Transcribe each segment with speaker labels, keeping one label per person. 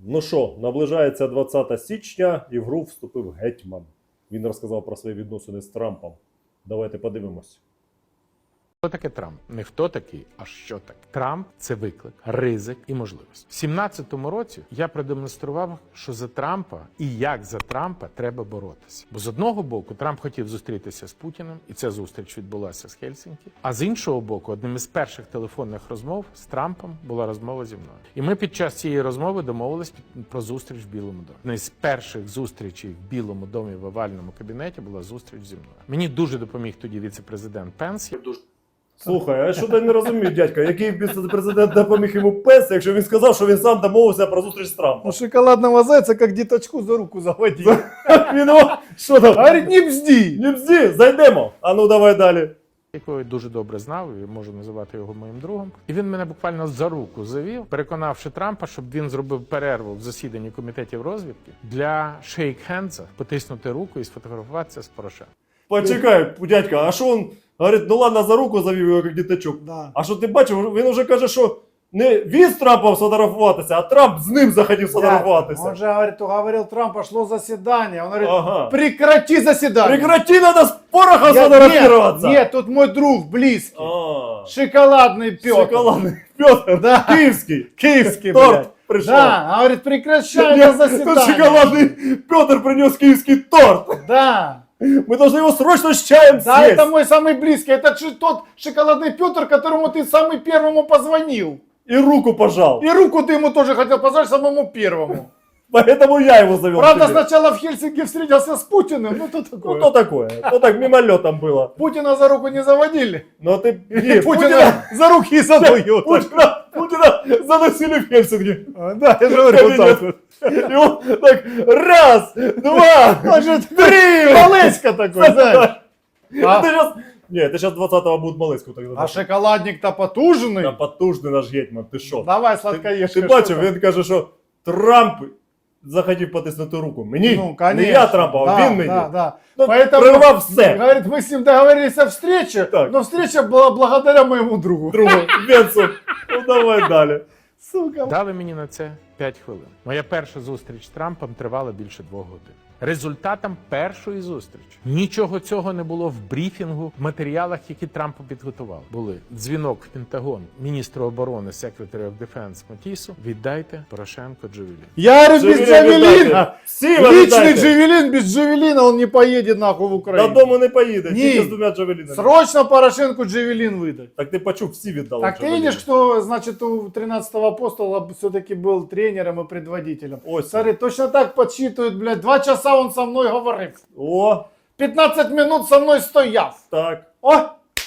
Speaker 1: Ну що, наближається 20 січня і в гру вступив гетьман. Він розказав про свої відносини з Трампом. Давайте подивимось.
Speaker 2: Хто таке Трамп? Не хто такий, а що таке. Трамп – це виклик, ризик і можливість. В 17-му році я продемонстрував, що за Трампа і як за Трампа треба боротися. Бо з одного боку Трамп хотів зустрітися з Путіним, і ця зустріч відбулася з Хельсінкі. А з іншого боку, одним із перших телефонних розмов з Трампом була розмова зі мною. І ми під час цієї розмови домовились про зустріч в Білому домі. Одна з перших зустрічей в Білому домі в овальному кабінеті була зустріч зі мною. Мені дуже допоміг тоді віце-президент Пенс.
Speaker 1: Слухай, а що ти не розумієш, дядька, який президент допоміг йому Пенс, якщо він сказав, що він сам домовився про зустріч з Трампом?
Speaker 3: Ну, шоколадного зайца, как діточку за руку заводил.
Speaker 1: Він що там?
Speaker 3: Говорит, не бзди.
Speaker 1: Не бзді, зайдемо. А ну давай далі.
Speaker 2: Якого я дуже добре знав, і можу називати його моїм другом. І він мене буквально за руку завів, переконавши Трампа, щоб він зробив перерву в засіданні комітетів розвідки для шейк-хендса, потиснути руку і сфотографуватися з Порошенком.
Speaker 1: Почекай, дядька, а що він говорить, ну ладно, за руку завів його, як діточок.
Speaker 3: Да.
Speaker 1: А що ти бачив, він вже каже, що не він з Трампом сфотографуватися, а Трамп з ним захотів сфотографуватися.
Speaker 3: Он же говорил Трамп, пошло заседание. Он говорит,
Speaker 1: Ага.
Speaker 3: прекрати заседание.
Speaker 1: Прекрати, надо с порохом сфотографироваться.
Speaker 3: Нет, тут мой друг близкий.
Speaker 1: А,
Speaker 3: Шоколадный Петр.
Speaker 1: шоколадный Петр,
Speaker 3: Да.
Speaker 1: Киевский.
Speaker 3: Киевский,
Speaker 1: Торт
Speaker 3: блядь.
Speaker 1: пришел.
Speaker 3: Да, говорит, прекращай
Speaker 1: Нет,
Speaker 3: это заседание.
Speaker 1: тут шоколадный Петр принес киевский торт.
Speaker 3: Да.
Speaker 1: Мы должны его срочно с чаем
Speaker 3: Да,
Speaker 1: съесть.
Speaker 3: это мой самый близкий. Это тот шоколадный Петр, которому ты самый первому позвонил.
Speaker 1: И руку пожал.
Speaker 3: И руку ты ему тоже хотел позвонить самому первому.
Speaker 1: Поэтому я его завел.
Speaker 3: Правда,
Speaker 1: к тебе.
Speaker 3: сначала в Хельсинки встретился с Путиным. Ну, то такое.
Speaker 1: Ну, то такое. Ну, так мимолетом было.
Speaker 3: Путина за руку не заводили.
Speaker 1: Но ты...
Speaker 3: И Путина за руки и за ноги. вот так.
Speaker 1: Путина заносили в Хельсинки.
Speaker 3: Да, я же говорю, вот так вот.
Speaker 1: И он так, раз, два, три.
Speaker 3: Малеська такой, знаешь.
Speaker 1: Это сейчас... Нет, это сейчас 20-го будет Малецьку тогда.
Speaker 3: А шоколадник-то потужный.
Speaker 1: Та потужний наш гетьман, ти що?
Speaker 3: Давай, сладкоежка.
Speaker 1: Ти бачив, він каже, що Трамп захотів потиснути руку. Мені?
Speaker 3: Ну, конечно.
Speaker 1: Не я Трампа, а він мені.
Speaker 3: Да, да.
Speaker 1: Ну,
Speaker 3: Поэтому,
Speaker 1: прервав все.
Speaker 3: говорит, мы с ним договорились о встрече,
Speaker 1: Так.
Speaker 3: но встреча была благодаря моему другу.
Speaker 1: Другу, Венцу. Ну давай далі.
Speaker 3: Сука.
Speaker 2: Дали мені на це 5 хвилин. Моя перша зустріч з Трампом тривала більше 2 годин. Результатом першої зустрічі нічого цього не було в брифінгу, в матеріалах, які Трамп підготував. Були дзвінок в Пентагон міністру оборони Secretary of Defense Матісу. Віддайте Порошенко Джавелін.
Speaker 3: Я говорю, без Джавелина.
Speaker 1: віддайте. Всі
Speaker 3: Личный
Speaker 1: віддайте.
Speaker 3: Джавелин, без Джавелина он не поедет нахуй в Украину.
Speaker 1: Додому не поїде,
Speaker 3: Ні.
Speaker 1: тільки з двома джавелінами.
Speaker 3: Срочно Порошенку Джавелин выдать.
Speaker 1: Так ти почув, всі віддали
Speaker 3: Так ты
Speaker 1: джавеліни.
Speaker 3: видишь, кто, значит, у 13-го апостола все-таки был тренером и предводителем.
Speaker 1: Ось.
Speaker 3: Смотри, точно так подсчитывают, блядь, 2 часа он со мной говорил.
Speaker 1: О,
Speaker 3: 15 минут со мной стояв.
Speaker 1: так.
Speaker 3: О,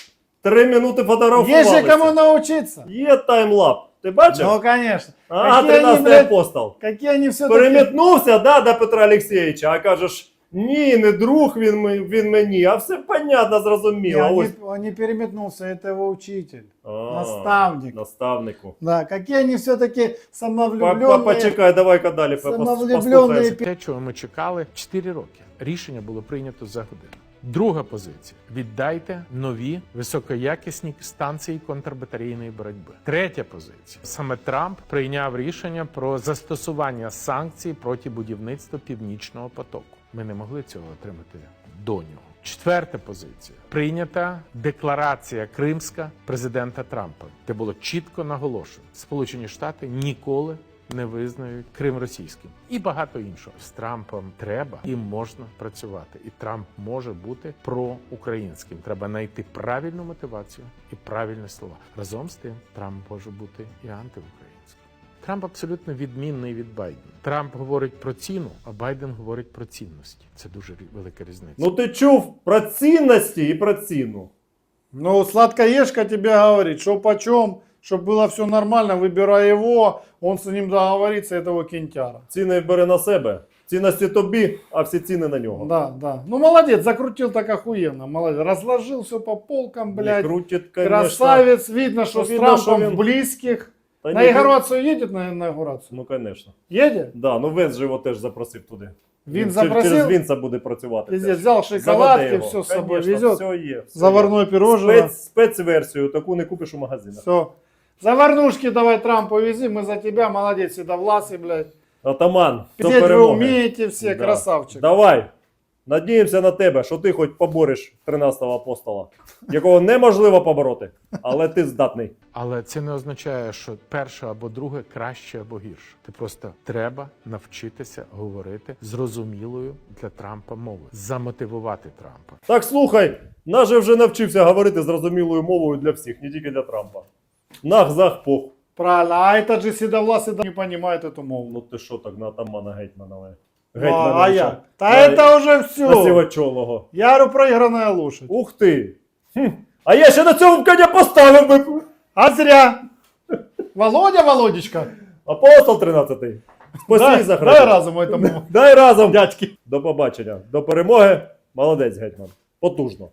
Speaker 1: 3 минути фотографувалися.
Speaker 3: есть же кому научиться.
Speaker 1: Є таймлап. Ти бачив?
Speaker 3: Ну, конечно.
Speaker 1: Ага,
Speaker 3: Какие они,
Speaker 1: 13-й
Speaker 3: блядь,
Speaker 1: апостол.
Speaker 3: какие они все-таки...
Speaker 1: Перемітнувся, да, до Петра Олексійовича, а кажеш, ні, не друг він мені, а все понятно, зрозуміло. Ось.
Speaker 3: Он не переметнулся, это его учитель,
Speaker 1: А,
Speaker 3: наставник.
Speaker 1: Наставнику.
Speaker 3: Да, какие они все-таки самовлюбленные.
Speaker 1: Почекай, давай-ка далі
Speaker 3: Самовлюблений
Speaker 1: послухаєш.
Speaker 2: Те, чого ми чекали 4 роки. Рішення було прийнято за годину. Друга позиція. Віддайте нові високоякісні станції контрбатарейної боротьби. Третя позиція. Саме Трамп прийняв рішення про застосування санкцій проти будівництва Північного потоку. Ми не могли цього отримати до нього. Четверта позиція. Прийнята декларація кримська президента Трампа, де було чітко наголошено: Сполучені Штати ніколи не визнають Крим російським. І багато іншого. З Трампом треба і можна працювати. І Трамп може бути проукраїнським. Треба знайти правильну мотивацію і правильні слова. Разом з тим, Трамп може бути і антиукраїнським. Трамп абсолютно відмінний від Байдена. Трамп говорить про ціну, а Байден говорить про цінності. Це дуже велика різниця.
Speaker 1: Ну ти чув про цінності і про ціну.
Speaker 3: Ну, сладкоежка тебе говорит, что почем, чтобы было все нормально, выбирай его, он с ним договорится, этого кентяра.
Speaker 1: Ціни бери на себе. Цінності тобі, а всі ціни на нього.
Speaker 3: Да, да. Ну, молодец, закрутил так охуенно, молодец. Разложил все по полкам,
Speaker 1: Не
Speaker 3: блядь.
Speaker 1: крутить, конечно.
Speaker 3: Красавец, видно, что с
Speaker 1: Видно,
Speaker 3: Трампом
Speaker 1: что он-
Speaker 3: близких.
Speaker 1: Та
Speaker 3: На
Speaker 1: ні,
Speaker 3: инаугурацию едет на инаугурацию?
Speaker 1: Ну, звісно.
Speaker 3: Едет?
Speaker 1: Да, ну Венс же його теж запросив туди.
Speaker 3: Він
Speaker 1: Через
Speaker 3: запросив?
Speaker 1: Вінса буде працювати.
Speaker 3: Везде
Speaker 1: теж.
Speaker 3: взял
Speaker 1: Заведе
Speaker 3: шоколадки,
Speaker 1: його.
Speaker 3: все с собой
Speaker 1: Конечно,
Speaker 3: везет.
Speaker 1: все є. все
Speaker 3: Заварное
Speaker 1: є.
Speaker 3: пирожное.
Speaker 1: Спецверсію, таку не купиш у магазинах.
Speaker 3: Все. Заварнушки давай Трампу вези, мы за тебя, молодец, седовласый, блядь.
Speaker 1: Атаман, до
Speaker 3: Петь вы
Speaker 1: перемоги.
Speaker 3: умеете все,
Speaker 1: Да.
Speaker 3: красавчик.
Speaker 1: Давай. Надіємося на тебе, що ти хоч побореш 13-го апостола, якого неможливо побороти, але ти здатний.
Speaker 2: Але це не означає, що перше або друге краще або гірше. Ти просто треба навчитися говорити зрозумілою для Трампа мовою, замотивувати Трампа.
Speaker 1: Так слухай, наш же вже навчився говорити зрозумілою мовою для всіх, не тільки для Трампа. Нах, зах, пох.
Speaker 3: Правильно, а этот же седовласый не понимает эту мову.
Speaker 1: Ну ти що так на атамана гетьмана?
Speaker 3: А я? Та
Speaker 1: На-
Speaker 3: это уже
Speaker 1: На
Speaker 3: все.
Speaker 1: сівачолого.
Speaker 3: Я говорю, проигранная лошадь.
Speaker 1: Ух ти! Хм. А я ще на цьому коня поставив би.
Speaker 3: А зря. Володя, Володечка,
Speaker 1: Апостол 13-й. Спаси
Speaker 3: дай,
Speaker 1: за
Speaker 3: дай разом этому
Speaker 1: Дай разом.
Speaker 3: дядьки.
Speaker 1: До побачення. До перемоги. Молодець, гетьман. Потужно.